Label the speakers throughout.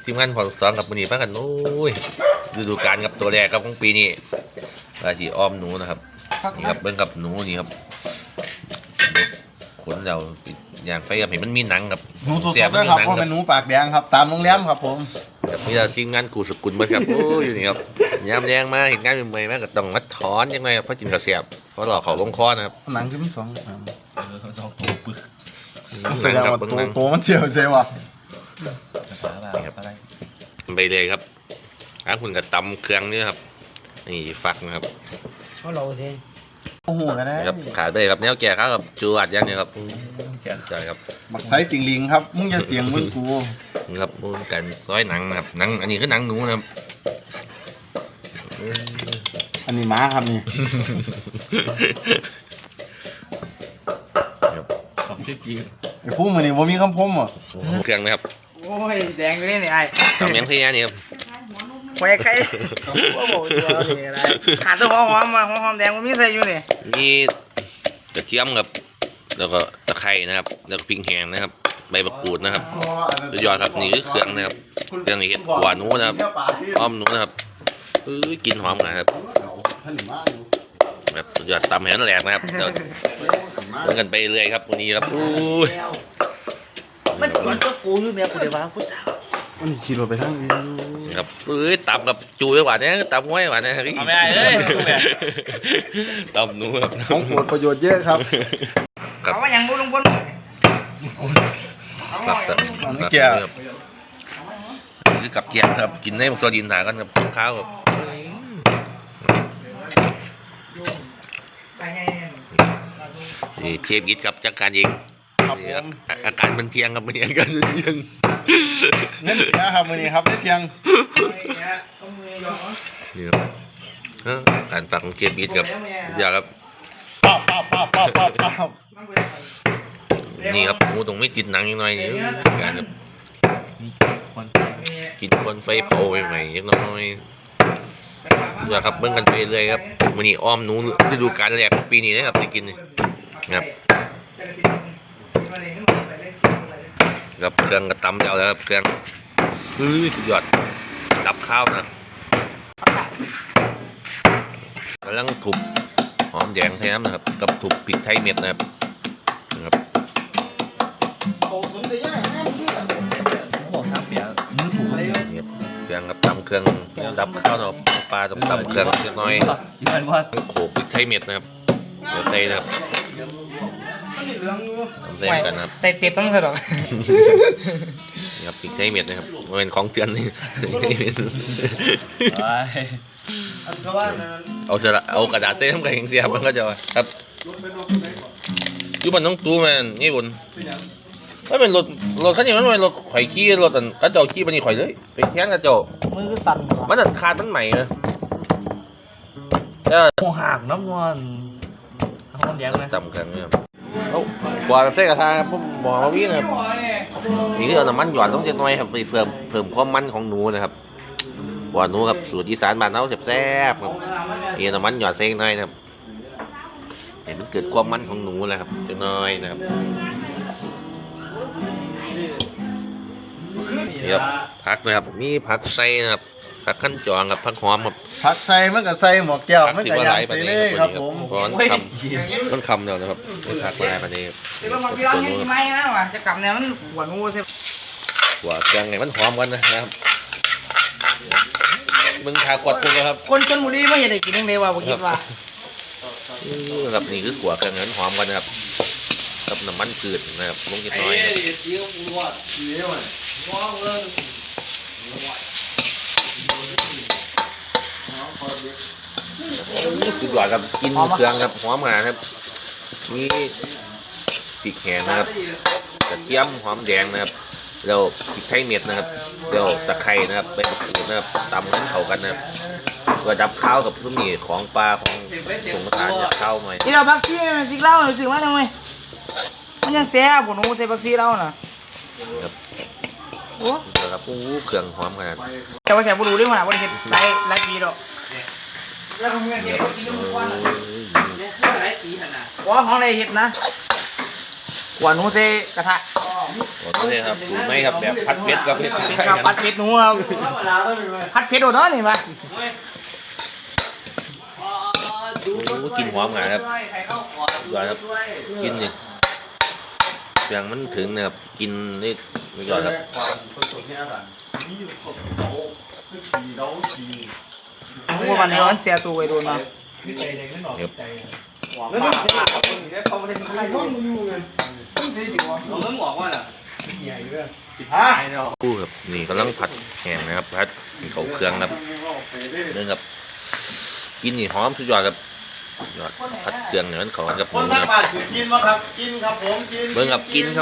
Speaker 1: ทีมงานพอสองกับมือนีพากันโอ้ยฤดูกาลกับตัวแรกครับของปีนี้ราชีอ้อมหนูนะครับนี่ครับเบิ้งกับหนูนี่ครับขนเราอย่างไฟกับเห็นมันมีหนังกับ
Speaker 2: หนูสดๆด้วยครับเพราะเป็นหนูปากแดงครับตามโรงแรมครับผม
Speaker 1: กับนี่เราทีมงานกูสกุลเบิ้งครับโอ้ยอยู่นี่ครับยามแรงมาเห็นงานเป็นเมย์มากก็ต้องมัดถอนยังไงเพราะกินกระเสียบเพราะหลอกเขาลงคอนะครับ
Speaker 2: หนังคือมีสอง
Speaker 3: สองตัวปึ๊ก
Speaker 2: แสดงว่าตัวมันเสียวเสียวอ่ะ
Speaker 1: ไปเลยครับถ้าคุณกับตำเครื่องนี่ครับนี่ฟักนะครับ
Speaker 4: เขาเราเอง
Speaker 2: โอ้โหนะ
Speaker 1: ครับขาเลยครับแนวแก่ครับจวดยังเนี่ยครับใช่ครับ
Speaker 2: บักไซติงลิงครับมึงอย่าเสียงมึงกู
Speaker 1: นี่ครับมูนกันร้อยหนังนะครับหนังอันนี้คือหนังหนูนะครับ
Speaker 2: อันนี้ม้าครับนี่
Speaker 3: ของที่กิน
Speaker 2: ไอ้พวกมันนี่ว่ามีคำพมอ่ะ
Speaker 1: เครื่องนะครับ
Speaker 4: โอ้ยแดงเลยนี่ไอ้
Speaker 1: ทำยังที่นี่ครับ
Speaker 4: ไฟไข่โอ้โหตัวนี่อะไรขาดตัวหอมมาหอมแดงมันมีใส่อยู่นี่
Speaker 1: มีกระเทียมครับแล้วก็ตะไคร้นะครับแล้วก็พริกแห้งนะครับใบมะกรูดนะครับสุดยอดครับนี่คือเครื่องนะครับเครื่องนี้เห็ดหัวหนูนะครับอ้อมหนูนะครับกินหอมนะครับแบบสุดยอดตำแหนแหลกนะครับเดี๋ยวเดินกันไปเรื่อยครับวันนี้ครับอู้ย
Speaker 4: มันก่อนก็กูอยู่แม่กูเดี๋ยวว่าผู้สาว
Speaker 2: มันขี่รถไปทางนี้
Speaker 1: ครับตำกับจูไว้หวานเนี่ยตำไว้หวานเนี่ย
Speaker 4: เอาไม่ได้เลย
Speaker 1: ตำหนูครับ
Speaker 2: ของโปรดประโยชน์เยอะครับ
Speaker 1: ครับ
Speaker 4: เอาว่าอย่างบุลุงบน
Speaker 1: ครับ
Speaker 2: อันนี้แก่
Speaker 1: ครับคือกับเกี๊ยวครับกินให้ตัวดินถ่ายกันกับข้าวครับนี่เทียบยิดกับจักการยิง
Speaker 2: ครับผม
Speaker 1: อาการมันเทียงครับมันเทียงกันเทียง
Speaker 2: เงินเสียครับวันนี้ครับได้เที่ยง
Speaker 1: นี่ครับการปักของเทียบยิดกับอยากครับ
Speaker 2: ป้าบป้าบป้าบป้าบป้าบป้าบ
Speaker 1: นี่ครับหมูตรงไม่ติดหนังยังไงนี่การแบบ
Speaker 3: คน
Speaker 1: กินคนไฟเผาใหม่ๆยังน้อยอยากครับเบิ่งกันไปเรื่อยครับวันนี้อ้อมหนูฤดูกาลแรกของปีนี้นะครับได้กินครับกับเครื่องกระตำแล้วครับเครื่องสุดยอดดับข้าวนะกำลังทุบหอมแดงไทยน้ำนะครับกับทุบพริกไทยเม็ดนะครับนะครับ
Speaker 3: บอกทั้งเปียมือถูกเลย
Speaker 1: นี่เครื่องกับตำเครื่องดับข้าวนะครับปลาตำเครื่องเล็กน้อย
Speaker 3: ยืนว่า
Speaker 1: โขลกพริกไทยเม็ดนะครับเดี๋ยวใส่นะครับทำเส้นกันนะครับ
Speaker 4: ใส่เต็บต้องสะดอก
Speaker 1: นี่ครับพริกไทยเม็ดนะครับมันเป็นของเตือนนี่ เอากระดาษเส้นทำกันเสียมันก็จะครับอยู่บ้านน้องตู้มันนี่บุญไม่เป็นรถคันนี้มันเป็นรถข่อยขี้รถอันกระเจ้าขี้บันนี้ข่อยเลยไปแทนกระเจ้า
Speaker 4: มือก็สั่น
Speaker 1: มันอัดขาดมันใหม่นะ
Speaker 3: โมหักน้ำมันหอมแดงไหม
Speaker 1: ต่ำกันเนี่ยเอากว่าเส้นกระทะผมบอกว่าวิ่งนะครับนี่คือเอาน้ำมันหยอดต้องเจ็ดน้อยครับไปเพิ่มความมันของหนูนะครับกว่าหนูครับสูตรอีสานบ้านเราแซ่บๆครับนี่น้ำมันหยอดเส้นน้อยนะครับเห็นมันเกิดความมันของหนูแล้วครับเจ็ดน้อยนะครับนี่ครับผักนะครับมีผักไส้นะครับผักขั้นจองกับผักหอมครับ
Speaker 2: ผักใส่มันก็ใส่หมวกแก้ว
Speaker 1: ผัก
Speaker 2: มัน
Speaker 1: ที่
Speaker 2: ก็
Speaker 1: ว่า
Speaker 2: ย่า
Speaker 1: ห
Speaker 2: ง
Speaker 1: ลายประ
Speaker 2: ใส่
Speaker 1: เด็
Speaker 2: เล
Speaker 1: น
Speaker 2: ย
Speaker 1: ค
Speaker 2: ค
Speaker 1: รั
Speaker 2: รั
Speaker 1: บบ
Speaker 2: ผม
Speaker 1: ร้อนคำต้นคำเดียวนะครับผักหลายประเด็น
Speaker 4: เดี๋ยวบางทีเราอยู่ที่ไม้นะว่ะจะกลับเนี่ยมันหัวงูใช่
Speaker 1: หัวเครื่องไงมันหอมกันนะครับมึงขากดกูครับ
Speaker 4: คนชนบุรีไม่เห็นได้กินยังไงวะผมคิดว่า
Speaker 1: ครับนี่คือขัวเครื่องนั้นหอมกันนะครับกับน้ำมันจืดนะครับลงนิดน้อยสุดยอดครับกินเครื่องครับหอมขนาดครับนี่พริกแห้งนะครับกระเทียมหอมแดงนะครับแล้วพริกไทยเม็ดนะครับแล้วตะไคร้นะครับใบมะกรูดนะครับตำให้เข้ากันนะครับตัวดับข้าวกับทุกมีของปลาของสงทานจะเข้าหน่อย
Speaker 4: ที่เราบักซี่สิเล่าหน่อยสิว่าทำไมมันยังแซ่บหัวงูใส่บักซี่เล่าน่ะ
Speaker 1: ครับ
Speaker 4: โอ้
Speaker 1: เดี๋ยวครับเครื่องหอมขนาด
Speaker 4: แต่ว่าแซ่บบุรุษด้วยมั้ยว่าเห็นหลายปีดอกแล้วก็เมื่อกี้เขากินทุกวันว่าของอะไรเห็ดนะหัวหนูใส่กระทะ
Speaker 1: โอเคครับถูกไหมครับแบบผัดเผ็ดกับเผ็ดใช่
Speaker 4: ครับ
Speaker 1: กัน
Speaker 4: ผัดเผ็ดหนูครับผัดเผ็ดโดดเนาะนี่มา
Speaker 1: โอ้กินหอมงาครับยอดครับกินนี่เสียงมันถึงนะครับกินนี่ยอดครับ
Speaker 4: หัววันนี้มันเสียตัวไปโดนมา
Speaker 1: ครับ กู้ครับนี่กำลังผัดแห้งนะครับผัดเขาเครื่องครับเรื่องครับกินนี่หอมสุดยอดครับยอดผัดเครื่องเนี่ยมันเขากับห
Speaker 2: ค
Speaker 1: มู
Speaker 2: น
Speaker 1: นะ
Speaker 2: ทางบ้านถือกินมั้ครับกินครับผมกิน
Speaker 1: เบิ่งครับกินครับ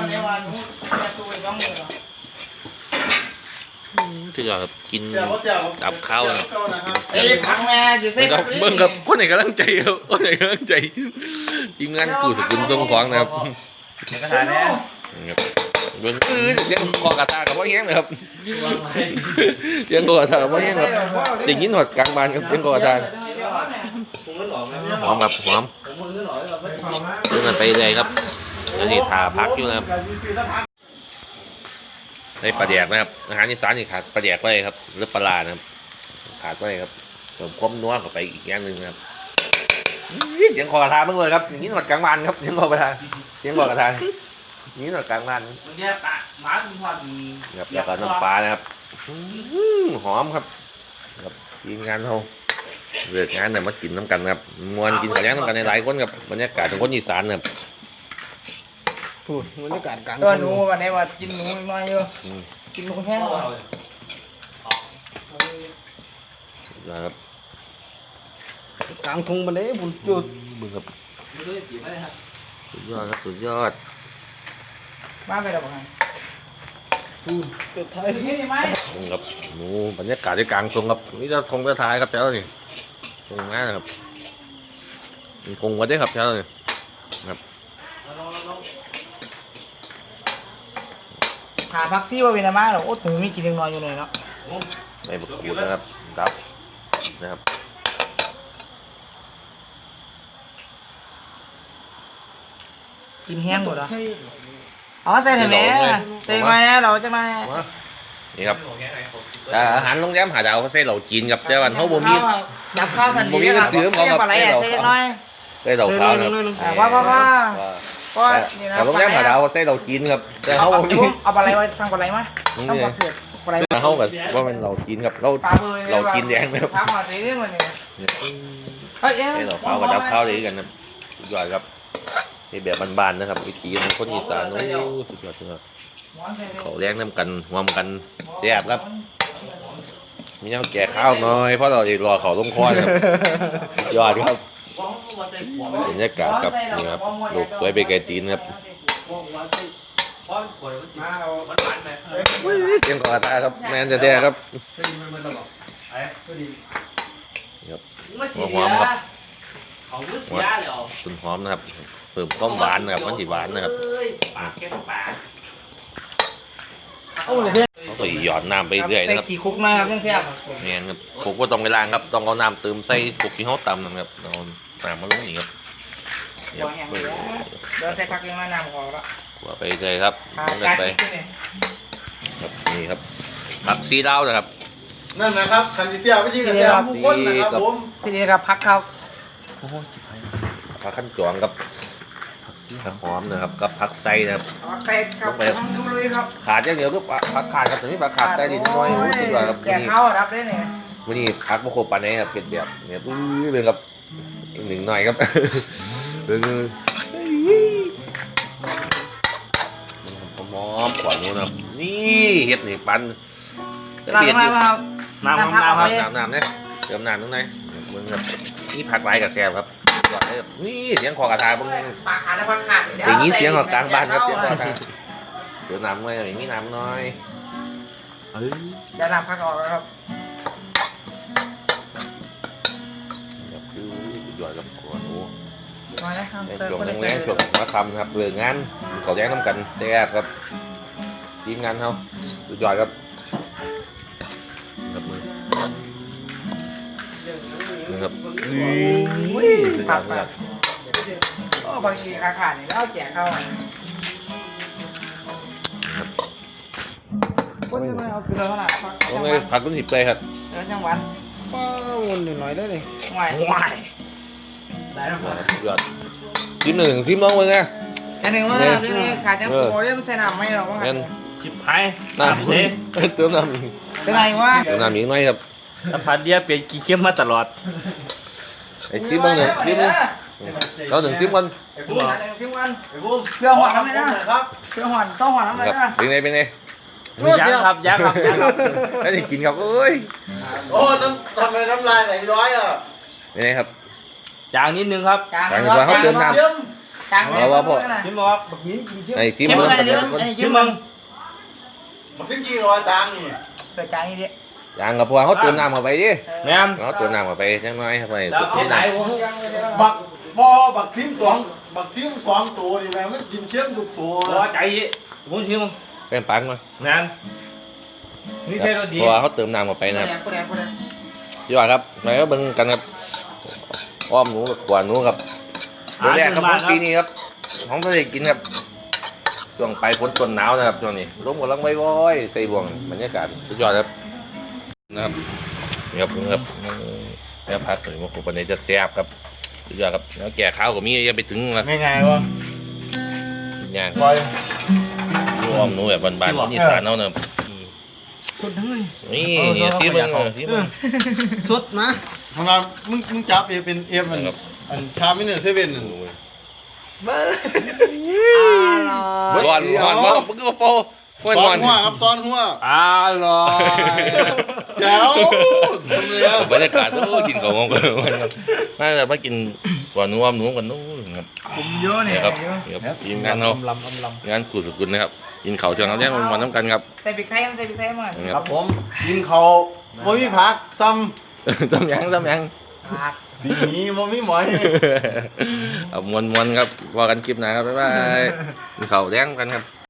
Speaker 1: สุดยอดครับกิน
Speaker 2: เสียบ่เสีย
Speaker 1: ดับข้าวนะครับ
Speaker 4: เอ้ยพังแม่จะเซ็
Speaker 1: เบิ่งครับคนไหนกำลังใจครับคนไหนกำลังใจทีมงานกูสกุลทรงของนะครับ
Speaker 3: กระถางเนี่ย
Speaker 1: ครับเบิ่งเสียงคอกระทากับว่าแห้งนะครับเสียงคอกระทากับว่าแห้งครับได้ยินหอดกลางบ้านครับเสียงคอกระทาหอมครับหอมเรื่องกันไปเลยครับเดี๋ยวนี้ทาพักอยู่นะครับในปลาแดกนะครับอาหารอีสานนี่ขาดปลาแดกไว้ครับหรือปลาร้านะครับขาดไว้ครับเติมความนัวเข้าไปอีกอย่างหนึ่งนะครับเสียงคอกระทาเมื่อเลยครับอย่างนี้หอดกลางบ้านครับเสียงคอกระทาเสียงคอกระทานี่หน่อยกลางบ้าน
Speaker 3: เนี่ยปลาหมาคุณพ่อมี
Speaker 1: ครับแล้วก็น้ำปลานะครับหอมครับครับทีมงานเราเลิกงานเนี่ยมากินน้ำกันครับมวนกินข้าวแล้งน้ำกันในหลายคนครับบรรยากาศของคนอีสานครับ
Speaker 2: พูดบรรยากาศกลาง
Speaker 4: ตัวหนูวันนี้ว่ากินหนูน้อยเยอะ
Speaker 1: อืม
Speaker 4: กินหนูแห้งกว่า
Speaker 1: นะครับ
Speaker 2: กลางทุ่งบันไดบุญจุด
Speaker 1: บึ้งครับ
Speaker 3: ไม่รู้จะจีบไหมครับ
Speaker 1: สุดยอดครับสุดยอด
Speaker 4: มาไปแล้วบ้าง
Speaker 2: จุดไทย
Speaker 4: นี่ไหม
Speaker 1: บึ้งครับหนูบรรยากาศที่กลางทงครับนี่จะทงจะทายครับแถวนี่ทงงานนะครับมีคงไว้ด้วยครับแถวนี่ครับ
Speaker 4: หาพักซี่ว่าเป็นอะไรมาหรอโอ้หนูมีกินยังน้อยอยู่เลยเนาะ
Speaker 1: ใส่บะกรูดนะครับดับนะครับ
Speaker 4: กินแห้งหมดอ่ะอ๋อใส่ถ่านแม่ใส่มาเราจะมา
Speaker 1: นี่ครับอาหารโรงแรมหาดาวเขาใส่เหล่าจีนกับแต่วันเขาบ่มี
Speaker 4: จับข้าวสัน
Speaker 1: บ่มีเงินซื้อของครับ
Speaker 4: ปลาไหลใส่น้อย
Speaker 1: ใส่เหล่าขาวนะครับ
Speaker 4: ว่าก็นี่นะ
Speaker 1: แต่โรงแรมหาดาวเขาใส่เหล่าจีนครับแต่เขาบ่มี
Speaker 4: เอาปลาไหลไว้สั่งปลาไหลมาต้องปลาเผือกปลาไหล
Speaker 1: เขากับว่าเป็นเหล่าจีนครับเรา
Speaker 4: ปลาเบย
Speaker 1: เหล่าจีนแดงนะครับ
Speaker 4: พักมาสิเนี่ยมันเนี่ยเฮ้ย
Speaker 1: ใส่เหล่าขาวกับดับขาวเลยกันนะสุดยอดครับในแบบบ้านๆนะครับวิถีของคนอีสานโอ้สุดยอดสุดยอดเขาแรงน้ำกันหวมกันแซ่บครับมีน้ำแก่ข้าวหน่อยเพราะเรารอเขาลงคอนครับยอดครับบรรยากาศครับนี่ครับลูกสวยไปไกลตีนครับเสียงกอดตาครับแมนจะแท้ครับหอมครับส่วนหอมนะครับเพิ่มความหวานนะครับมันสีหวานนะครับเขาก็หยอดน้ำไปเรื่อยนะครับ
Speaker 4: ใส่ขี้คุกนะครับยังแซ่บ
Speaker 1: เนี่ยครับผมก็ต้องไปล้างครับต้องเอาน้ำเติมใส่กุกที่เขาตำนะครับเอาน้ำมาลงนี่ครับ
Speaker 4: เดี๋ยวแห้งเลยเดี๋ยวใส่ผักยังมาน้ำออกแล้ว
Speaker 1: กว่าไปเลยครับลงกันไปครับนี่ครับผักซีดาวนะครับ
Speaker 2: นั่นนะครับคันดิเซียวิธีการเสียผู้คนนะครับผม
Speaker 4: ทีนี้ครับพักครับ
Speaker 1: ผักขั้นจองครับผักหอมนะครับกับผักไส้นะครับ
Speaker 4: ใส่ครับทำลุยครับ
Speaker 1: ขาดอย่างเดียวก็ผักขาดครับแต่นี่ผักขาดได้ดีน้อยสุดยอดครับ
Speaker 4: แกะข้าวรับได้เนี่ย
Speaker 1: วันนี้ผักมะโขปานนี้ครับเป็นแบบเนี่ยเป็นครับหนึ่งหน่อยครับเป็นหอมกว่านู้นครับนี่เห็ดนี่ปัน
Speaker 4: น้ำมาครับ
Speaker 1: น้ำเนี่ยเติมน้ำตรงไหนมึงครับนี่ผักไรกับแซมครับนี่เสียงคอกระทาบ้าง
Speaker 4: ปากขาดและปากขาด
Speaker 1: อย่างนี้เสียงของกลางบ้านครับเสียงคอกระทาเดี๋ยวน้ำหน่อยอย่างนี้น้ำน้อย
Speaker 4: จะนำพักออกแล้วครับ
Speaker 1: คือสุดยอดครับขวนู
Speaker 4: มาแล้วครับ
Speaker 1: ในช่วงแรงๆช่วงมาทำครับเรื่องงานเขาแย้งน้ำกันแซ่บครับทีมงานเขาสุดยอดครับครับมือนะครับสุดยอดมาก
Speaker 4: โอ้บางทีขาขาดนี่แล้วแจกเข้าคนจะไม่เอาคือเราเท่าไหร่
Speaker 1: ผมเลยผักต้นหิบเลยครับ
Speaker 4: ช่างวัน
Speaker 5: ป้าวนหน่อยได้เลย
Speaker 4: ห่วย
Speaker 3: ได้แล้วครับ
Speaker 1: ยอดซิมหนึ่งซิมน้องมึงไง
Speaker 4: อันหนึ่งว่าเรื่องนี้ขาดจังโปเรื่องใส่น้ำไม่หรอกว่า
Speaker 1: งั้น
Speaker 3: ชิบหาย
Speaker 1: น้ำ
Speaker 3: เซ่
Speaker 1: เติมน้ำอีก
Speaker 4: เป็นไรวะ
Speaker 1: เติมน้ำอีกหน่อยครับ
Speaker 3: สัมผัสเดียเปลี่ยนกี่เข้มมาตลอด
Speaker 1: ไอ้ซิมบ้างหนึ่งซิมนึงเราหนึ่งซิมกัน
Speaker 2: ไอ้บุ้ม
Speaker 4: ซิมวัน
Speaker 2: ไอ้บุ้ม
Speaker 4: เพื่อหอนทำไมนะครับ เพื่อหอนต้องหอนทำไม
Speaker 1: ครับ
Speaker 4: นะ
Speaker 1: เป็นไงเป็นไง
Speaker 3: ยังครับยังครับยังครับ
Speaker 1: ไม่ได้กินครับเอ้ย
Speaker 2: โอ้ทำไมน้ำลายไหลย้อยอ่ะ
Speaker 1: เป็นไงครับ
Speaker 3: จางนิดนึงครับ
Speaker 4: กลาง
Speaker 2: เยี่ยม
Speaker 4: กลาง
Speaker 3: ชิมบอกบักหินกินชิม
Speaker 1: ไอ้ซิม
Speaker 4: เข้ม
Speaker 1: เบิ้ง
Speaker 4: อะไร
Speaker 1: กัน
Speaker 4: เดี๋
Speaker 1: เดี๋
Speaker 4: ย
Speaker 1: ยว วทุกคน
Speaker 3: ชิมมึง
Speaker 2: มันขึ้นกี่ร้อยตังค์นี่
Speaker 4: เปิดกลางนี่ดิ
Speaker 1: อย่างกับพวกเขาเติมน้ำเข้าไปดิ
Speaker 3: แม่ม
Speaker 1: เขาเติมน้ำเข้าไปจังน้อยครับไป
Speaker 3: แล้วเฮ็ดไหนวะ
Speaker 2: บักทิมสองตัวนี่แม่มันกินเชื่อมทุกตัว
Speaker 3: พอใจผมชิมมึง
Speaker 1: เป็นปังมา
Speaker 3: แม่นนี่ใช่รสดี
Speaker 1: เพราะว่าเขาเติมน้ำเข้าไปนะครับ
Speaker 4: กูแดง
Speaker 1: ยอดครับไหนก็เบิ่งกันครับอ้อมหนูกับกวนหนูครับเดี๋ยวแรกครับของปีนี้ครับของทะเลกินครับช่วงปลายฝนต้นหนาวนะครับช่วงนี้ลมกำลังว้อยๆใส่บ่วงบรรยากาศสุดยอดครับนะครับนี่ครับนี่ครับแซ่บพัดเลยว่าคนปันนี้จะแซ่บครับสุดยอดครับแล้วแก่ข้าวก็มียังไปถึงนะ
Speaker 2: ไงวะ
Speaker 1: ย่าง
Speaker 2: ปล่อย
Speaker 1: นี่อ้อมหนูแบบบานๆนี่สานเอาเนอะ
Speaker 5: สุดทั้งเลย
Speaker 1: นี่ที่มึงที่มึง
Speaker 5: สุดนะ
Speaker 2: ทำไมมึงจับเป็นเอฟอันชาไม่เนื้อเซเว่น
Speaker 1: ร้อนร้อนมากมึงก็โป้ห้วย
Speaker 2: ซ้
Speaker 1: ร้
Speaker 2: อ
Speaker 1: อน น
Speaker 2: หัวครับซ้อนหัว
Speaker 3: อร่อย
Speaker 2: แจ๋วทำเลยอ่ะ
Speaker 1: บรรยากาศโอ้กินของงกันน่าจะมากินกวนอ้อมหนูกันนู้นครับ
Speaker 4: ผมเยอะเนี่ย
Speaker 1: ครับทีมงานเรางานกูสุกุลนะครับกินเขาวจนเราแย่งมันน้ำกันครับ
Speaker 4: ใส่พริกไทยมันใส่พริกไทยมา
Speaker 2: ครับผมกินเขาบ่มีผักซ้
Speaker 1: ต้มยัง
Speaker 4: ผัก
Speaker 2: ำสีนี้บ่มีหมอย
Speaker 1: เอามวนๆครับว่ากันคลิปหน้าครับบ๊ายบายกินเขาวแย่งกันครับ